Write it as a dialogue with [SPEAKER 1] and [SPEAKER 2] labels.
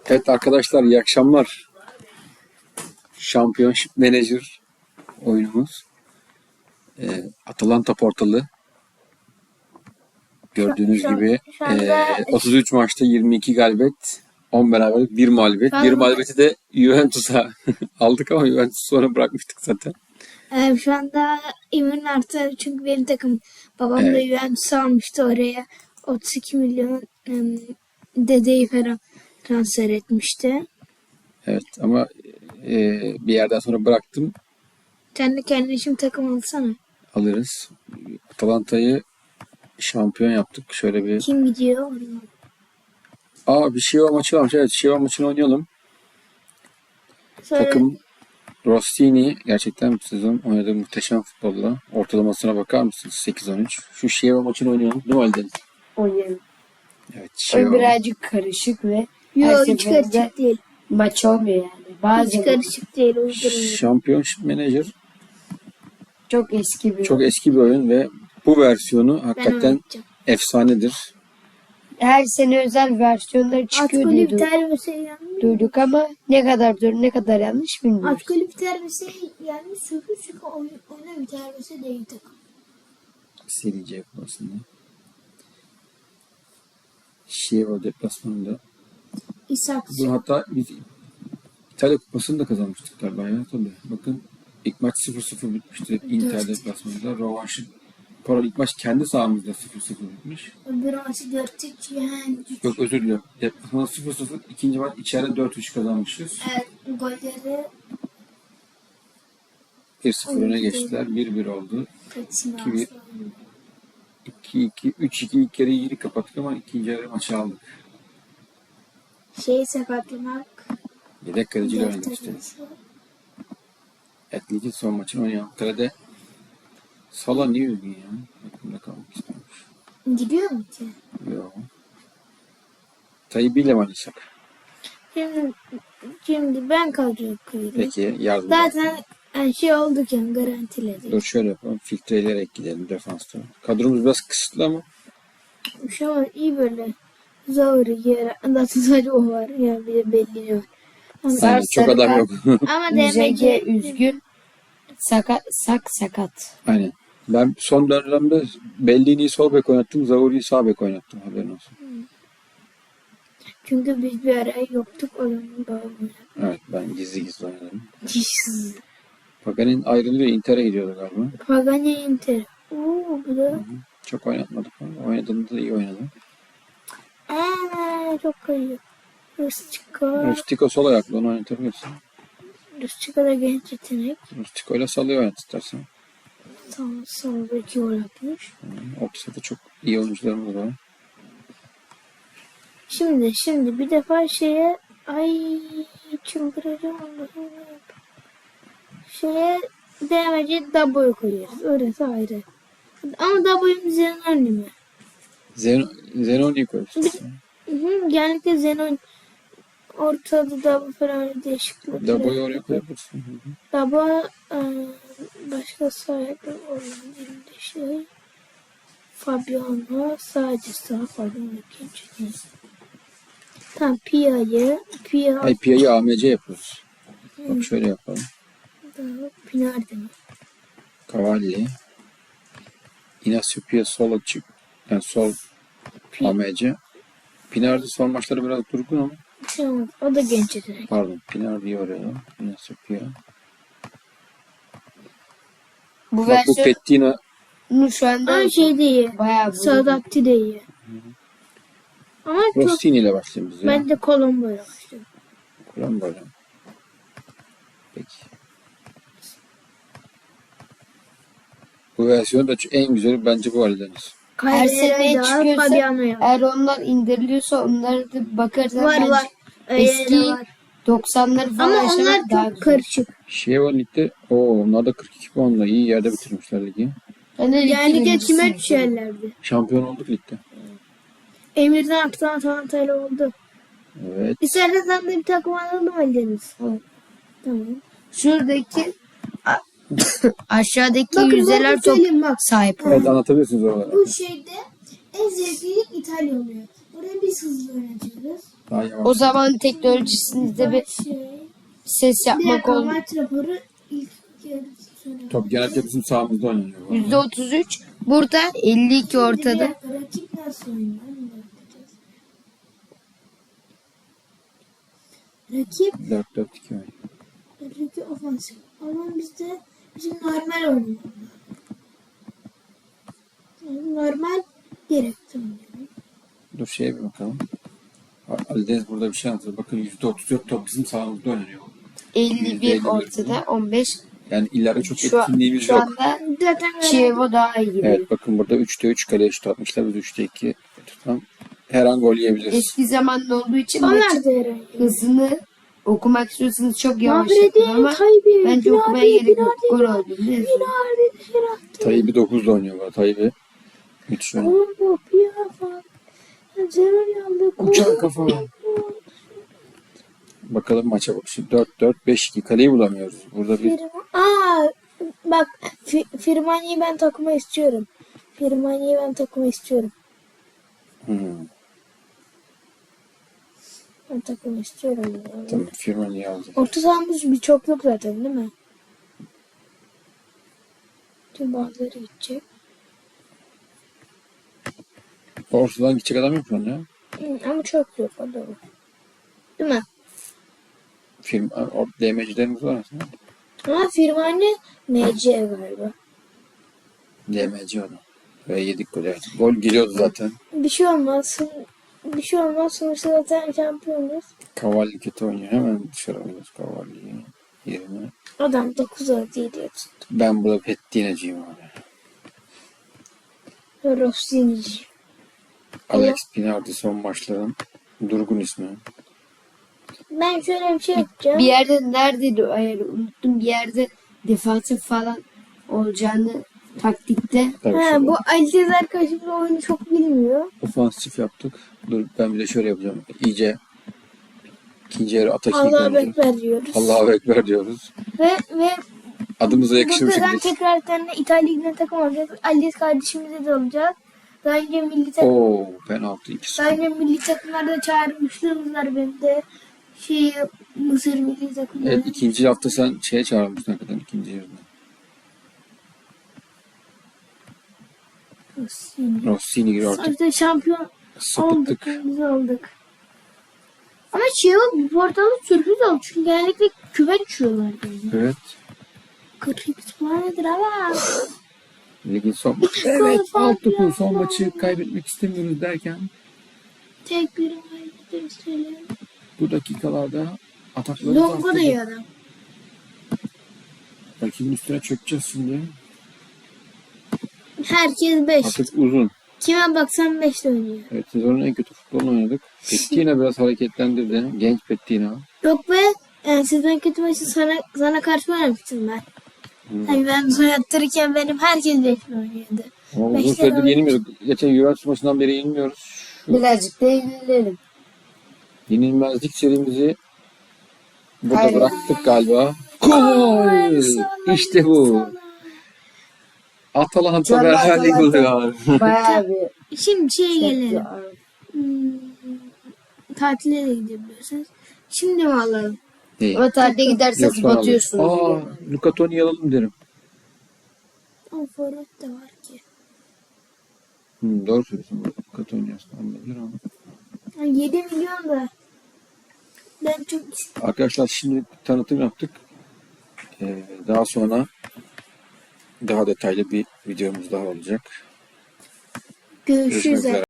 [SPEAKER 1] Evet arkadaşlar, iyi akşamlar. Championship Manager oyunumuz. Atalanta portalı. Gördüğünüz gibi
[SPEAKER 2] şu anda
[SPEAKER 1] 33 maçta 22 galibiyet, 10 beraberlik, 1 mağlubiyet. Bir mağlubiyeti de Juventus'a aldık ama Juventus sonra bırakmıştık zaten.
[SPEAKER 2] şu anda İmran artı çünkü benim takım babam da Juventus almıştı oraya 32 milyon dedeyi falan transfer etmişti.
[SPEAKER 1] Evet ama bir yerden sonra bıraktım.
[SPEAKER 2] Sen de kendin için takım alsana.
[SPEAKER 1] Alırız. Atalanta'yı şampiyon yaptık. Şöyle bir...
[SPEAKER 2] Kim gidiyor?
[SPEAKER 1] Bir Şiva maçı varmış. Evet, Şiva maçını oynayalım.
[SPEAKER 2] Sonra
[SPEAKER 1] Takım Rossini gerçekten bu sezon oynadığı muhteşem futbolla. Ortalamasına bakar mısınız? 8-13. Şu Şiva maçını oynayalım. Değil mi Halide?
[SPEAKER 3] Oynayalım.
[SPEAKER 1] Evet,
[SPEAKER 3] O
[SPEAKER 1] Şiva.
[SPEAKER 3] birazcık karışık ve her
[SPEAKER 2] yok hiç
[SPEAKER 3] seferinde
[SPEAKER 2] karışık değil.
[SPEAKER 3] maç olmuyor yani.
[SPEAKER 2] Hiç
[SPEAKER 3] Bazen
[SPEAKER 2] karışık değil. Uydurun.
[SPEAKER 1] Championship Manager
[SPEAKER 3] çok eski bir
[SPEAKER 1] çok eski bir oyun ve bu versiyonu hakikaten
[SPEAKER 2] oynayacağım.
[SPEAKER 1] efsanedir.
[SPEAKER 3] her sene özel versiyonları çıkıyor diye
[SPEAKER 2] Atkolü biter ve şey yanlış.
[SPEAKER 3] duyduk ama ne kadar doğru ne kadar yanlış bilmiyoruz.
[SPEAKER 2] Atkolü biter ve şey yanlış. Çünkü oyuna biter ve şey değil takım.
[SPEAKER 1] Seri C kupasında. Şiva deplasmanında.
[SPEAKER 2] İshak.
[SPEAKER 1] Bu hatta biz İtalya kupasını da kazanmıştık galiba ya. Tabii. Bakın ilk maç 0-0 bitmişti. Inter deplasmanında. Rövanşı. Pardon, ilk maç kendi sahamızda 0-0 bitmiş.
[SPEAKER 2] Öbür maçı 4-3 yani.
[SPEAKER 1] Yok, özür dilerim. Deplasmanda 0-0. İkinci maç içeride 4-3 kazanmışız.
[SPEAKER 2] Evet, golleri
[SPEAKER 1] 1-0 öne geçtiler. 1-1 oldu.
[SPEAKER 2] kaçına
[SPEAKER 1] 2-1. 2-2. 3-2 ilk yarıyı iyi kapattık ama ikinci yarı maçı aldık.
[SPEAKER 2] şeyi sakatlamak.
[SPEAKER 1] Yedek kaleciyle
[SPEAKER 2] dört
[SPEAKER 1] oynadık işte.
[SPEAKER 2] takması.
[SPEAKER 1] Evet, ligin son maçını oynayalım. Kalede Sala niye üzgün ya? Aklımda kalmak istemiş.
[SPEAKER 2] Gidiyor mu ki?
[SPEAKER 1] Yok. Tayyip ile mi oynasak?
[SPEAKER 2] Şimdi ben kadroyu koyayım.
[SPEAKER 1] Peki, yardım.
[SPEAKER 2] Zaten şey olduk yani garantiledik.
[SPEAKER 1] Dur şöyle yapalım. Filtreleyerek gidelim defansta. Kadromuz biraz kısıtlı ama
[SPEAKER 2] Şu an iyi böyle. Zor yer. Zaten sadece o var. Yani bir de belli var.
[SPEAKER 1] yani çok adam yok.
[SPEAKER 2] Ama
[SPEAKER 3] Üzece
[SPEAKER 2] demece
[SPEAKER 3] üzgün sakat.
[SPEAKER 1] Aynen. Ben son dönemde Bellini'yi sol bek oynattım. Zauri'yi sağ bek oynattım. Haberin olsun.
[SPEAKER 2] çünkü biz bir ara yoktuk onun babamla.
[SPEAKER 1] Evet, ben gizli gizli oynadım. Pagan'in ayrılıyor. Inter'e gidiyordu galiba.
[SPEAKER 2] Pagani Inter. Bu da
[SPEAKER 1] Çok oynatmadık ama oynadığında da iyi oynadı.
[SPEAKER 2] çok kayıyor. Rustika.
[SPEAKER 1] Rustico sol ayaklı, onu oynatabilirsin.
[SPEAKER 2] Rustika da genç yetenek.
[SPEAKER 1] Rustico ile Salah'ı oynat istersen.
[SPEAKER 2] Sağ beki gol atmış.
[SPEAKER 1] Ortada da çok iyi oyuncularımız var.
[SPEAKER 2] Şimdi bir defa şeye çıldıracağım Allah'ım. Şeye demeci Dabo'yu koyuyoruz. Orası ayrı. Ama Dabo'yum Zenon mi?
[SPEAKER 1] Zenon'u koyuyorsun.
[SPEAKER 2] Genellikle Zenon ortada Dabo falan değişiklik.
[SPEAKER 1] Dabo'yu oraya koyabilirsin.
[SPEAKER 2] Dabo başka sahibi olan elinde şey. Fabiano sadece sağ Fabiano ikinci. Tam Pia'yı
[SPEAKER 1] Pia'yı AMC yapıyoruz. Bak şöyle yapalım.
[SPEAKER 2] Pinardi mi?
[SPEAKER 1] Cavalli. Inacio Pia sol açık. Yani sol AMC. Pinardi son maçları biraz durgun ama.
[SPEAKER 2] Bir şey olmaz. O da genç yetenek.
[SPEAKER 1] Pardon. Pinardi'yi oraya. Inacio Pia.
[SPEAKER 3] Bu
[SPEAKER 1] Bak bu
[SPEAKER 3] versiyon
[SPEAKER 1] Pettina.
[SPEAKER 3] şu anda
[SPEAKER 2] Ama şey de iyi.
[SPEAKER 3] bayağı
[SPEAKER 2] Sadakti de iyi. Ama çok
[SPEAKER 1] Rossini ile başlayalım biz ya.
[SPEAKER 2] ben de Colombo'yla başladım.
[SPEAKER 1] Kuran böyle. Peki. Bu versiyon da en güzeli bence bu Ali'deniz.
[SPEAKER 3] her sene
[SPEAKER 2] Kayre'ye
[SPEAKER 3] çıkıyorsa
[SPEAKER 2] Fabiano'ya.
[SPEAKER 3] eğer onlar indiriliyorsa onları da bakarsan
[SPEAKER 2] Var
[SPEAKER 3] bence
[SPEAKER 2] var. Öyle
[SPEAKER 3] eski
[SPEAKER 2] de var.
[SPEAKER 3] 90'ları falan
[SPEAKER 2] Ama onlar
[SPEAKER 3] yaşamak daha
[SPEAKER 2] çok
[SPEAKER 3] güzel.
[SPEAKER 2] karışık.
[SPEAKER 1] Şiva Lig'de onlar da 42 puanla iyi yerde bitirmişler ligi.
[SPEAKER 2] Yani
[SPEAKER 3] ligde
[SPEAKER 2] kime düşerlerdi.
[SPEAKER 1] Şampiyon olduk ligde.
[SPEAKER 2] Emir'den aktan Atalanta'yla oldu.
[SPEAKER 1] Evet.
[SPEAKER 2] İstersen sen de bir takım alalım Ali'deniz. Tamam.
[SPEAKER 3] Şuradaki aşağıdaki
[SPEAKER 2] Bakın
[SPEAKER 3] yüzdeler
[SPEAKER 2] bakın
[SPEAKER 3] çok
[SPEAKER 2] söyleyeyim bak.
[SPEAKER 3] sahip.
[SPEAKER 1] Evet, anlatabilirsiniz oraları.
[SPEAKER 2] Bu şeyde en zevkli İtalya oluyor. Oraya biz hızlı oynatıyoruz.
[SPEAKER 1] Daha yavaş.
[SPEAKER 3] O zaman teknolojisinde bir ses
[SPEAKER 2] Bir
[SPEAKER 3] yapmak
[SPEAKER 2] dakika,
[SPEAKER 3] olmuyor.
[SPEAKER 2] maç raporu ilk yarısı sonra.
[SPEAKER 1] Top genellikle bizim sahamızda oynanıyor. bu arada.
[SPEAKER 3] %33. Burada 52
[SPEAKER 2] Bir
[SPEAKER 3] ortada.
[SPEAKER 2] dakika, rakip nasıl oynuyor? Onu da bakacağız. Rakip
[SPEAKER 1] 4-4-2 oynuyor.
[SPEAKER 2] rakip ofansif. Ama bizde bizim normal oynuyor. Yani normal gerekti oynuyor.
[SPEAKER 1] Dur şeye bir bakalım. Ali Deniz burada bir şey anlatıyor. Bakın %34 top bizim sahamızda oynanıyor.
[SPEAKER 3] 51
[SPEAKER 1] %51.
[SPEAKER 3] ortada 15.
[SPEAKER 1] Yani ileride çok
[SPEAKER 3] Şu,
[SPEAKER 1] etkinliğimiz
[SPEAKER 3] şu
[SPEAKER 1] yok.
[SPEAKER 3] anda
[SPEAKER 2] Zaten
[SPEAKER 3] Chievo daha iyi gidiyor.
[SPEAKER 1] Evet bakın burada 3'te 3 kaleye şut atmışlar. Biz 3'te 2 tutan her an gol yiyebiliriz.
[SPEAKER 3] Eski zamanda olduğu için
[SPEAKER 2] onlar
[SPEAKER 3] maçın
[SPEAKER 2] da herhalde.
[SPEAKER 3] hızını okumak istiyorsanız çok yavaş
[SPEAKER 2] Mabred'in
[SPEAKER 3] yapın ama
[SPEAKER 2] Tayyip'i,
[SPEAKER 3] bence
[SPEAKER 2] Bilal
[SPEAKER 3] okumaya
[SPEAKER 2] Bey,
[SPEAKER 3] gerek yok.
[SPEAKER 2] Bilal
[SPEAKER 3] Gol
[SPEAKER 2] Bey,
[SPEAKER 3] oldu. Ne?
[SPEAKER 2] Bilal dışarı attı.
[SPEAKER 1] Tayyip'i 9'da oynuyor bu. Tayyip'i müthiş oynuyor.
[SPEAKER 2] Oğlum bu bir bak. Zero yandı.
[SPEAKER 1] Uçan kafa. Bakalım maça bak. Şimdi 4-4-5-2 kaleyi bulamıyoruz. Burada bir
[SPEAKER 2] Bak Firmani'yi ben takıma istiyorum. Firmani'yi ben takıma istiyorum. Ben takıma istiyorum. Yani.
[SPEAKER 1] tamam, Firmani'yi aldı.
[SPEAKER 2] Orta sahamız birçok yok zaten değil mi? Tüm bazıları gidecek.
[SPEAKER 1] Ortadan gidecek adam yok mu ya?
[SPEAKER 2] Ama çok yok o doğru. Değil mi?
[SPEAKER 1] DM'cilerimiz var aslında.
[SPEAKER 2] Ama Firmani MC galiba.
[SPEAKER 1] DM'ci adam. Ve yedik gol. Evet. Gol geliyordu zaten.
[SPEAKER 2] Bir şey olmaz. Bir şey olmaz. Sonuçta zaten şampiyonuz.
[SPEAKER 1] Cavalli kötü oynuyor. Hemen dışarı alıyoruz Cavalli'yi. Yerine.
[SPEAKER 2] Adam 9 artı 7 tuttu.
[SPEAKER 1] Ben burada Pettina'cıyım abi.
[SPEAKER 2] Rossini'ci.
[SPEAKER 1] Alex Pinardi son maçların durgun ismi.
[SPEAKER 2] Ben şöyle bir şey yapacağım.
[SPEAKER 3] Bir yerde neredeydi o ayarı unuttum. Bir yerde defansif falan olacağını taktikte.
[SPEAKER 1] Tabii
[SPEAKER 2] Ha,
[SPEAKER 1] şöyle
[SPEAKER 2] bu Alcez arkadaşımız oyunu çok bilmiyor.
[SPEAKER 1] ofansif yaptık. Dur ben bir de şöyle yapacağım. İyice ikinci yarı atak
[SPEAKER 2] Allah'a bekler diyoruz.
[SPEAKER 1] Allahu Ekber diyoruz.
[SPEAKER 2] Ve
[SPEAKER 1] Adımıza yakışır bir
[SPEAKER 2] buradan
[SPEAKER 1] şekilde.
[SPEAKER 2] tekrar bir tane İtalya Ligi'ne takım alacağız. Alcez kardeşimize de alacağız. Daha önce milli takım,
[SPEAKER 1] Oo penaltı 2-0.
[SPEAKER 2] daha önce milli takımlarda çağırmışlığımız var benim de. Mısır milli takımları.
[SPEAKER 1] Evet ikinci hafta sen şeye çağırmıştın hakikaten ikinci yarıda. Rossini giriyor artık.
[SPEAKER 2] Sonuçta şampiyon
[SPEAKER 1] Sapıttık.
[SPEAKER 2] olduk. Biz olduk. Ama bu portalı sürpriz oldu. Çünkü genellikle küme düşüyorlar. Yani.
[SPEAKER 1] Evet.
[SPEAKER 2] 42 puan nedir ama?
[SPEAKER 1] Ligin son maçı. Evet alt topun son maçı kaybetmek istemiyoruz derken
[SPEAKER 2] Tek bir hareketleri söyleyeyim.
[SPEAKER 1] bu dakikalarda atakları
[SPEAKER 2] Longo da iyi adam.
[SPEAKER 1] Rakibin üstüne çökeceğiz şimdi.
[SPEAKER 2] Herkes 5.
[SPEAKER 1] Artık uzun.
[SPEAKER 2] Kime baksan 5 oynuyor.
[SPEAKER 1] Evet sezonun en kötü futbolunu oynadık. Pettina biraz hareketlendirdi. Genç Pettina.
[SPEAKER 2] Yok be. Sizden kötü maçı sana karşı oynamıştım ben. Yani ben soyattırırken benim herkes 5 oynuyordu.
[SPEAKER 1] Ama uzun
[SPEAKER 2] Beşler
[SPEAKER 1] süredir
[SPEAKER 2] oynadı.
[SPEAKER 1] yenilmiyorduk. Geçen Juventus maçından beri yenilmiyoruz. Şu
[SPEAKER 3] Birazcık da eğlenelim.
[SPEAKER 1] yenilmezlik serimizi burada
[SPEAKER 3] Hayır.
[SPEAKER 1] bıraktık galiba. Gol! İşte bu. Atalanta
[SPEAKER 3] Çok
[SPEAKER 1] beraberlik
[SPEAKER 3] Atalanta.
[SPEAKER 1] oluyor.
[SPEAKER 3] Bayağı bir
[SPEAKER 2] Şimdi gelelim.
[SPEAKER 3] yaptı.
[SPEAKER 2] Tatile de gidebilirsiniz. Şimdi mi alalım?
[SPEAKER 1] İyi.
[SPEAKER 3] Ama tatile
[SPEAKER 1] Yok,
[SPEAKER 3] giderseniz
[SPEAKER 1] sonra alırız.
[SPEAKER 3] batıyorsunuz.
[SPEAKER 1] Aa, Luca Toni'yi alalım derim.
[SPEAKER 2] O forvet de var ki.
[SPEAKER 1] Doğru söylüyorsun. Luca Toni aslında alınabilir ama.
[SPEAKER 2] 7 milyon da. Ben çok
[SPEAKER 1] Arkadaşlar şimdi tanıtım yaptık. Daha sonra daha detaylı bir videomuz daha olacak.
[SPEAKER 2] görüşürüz.
[SPEAKER 1] Görüşmek üzere.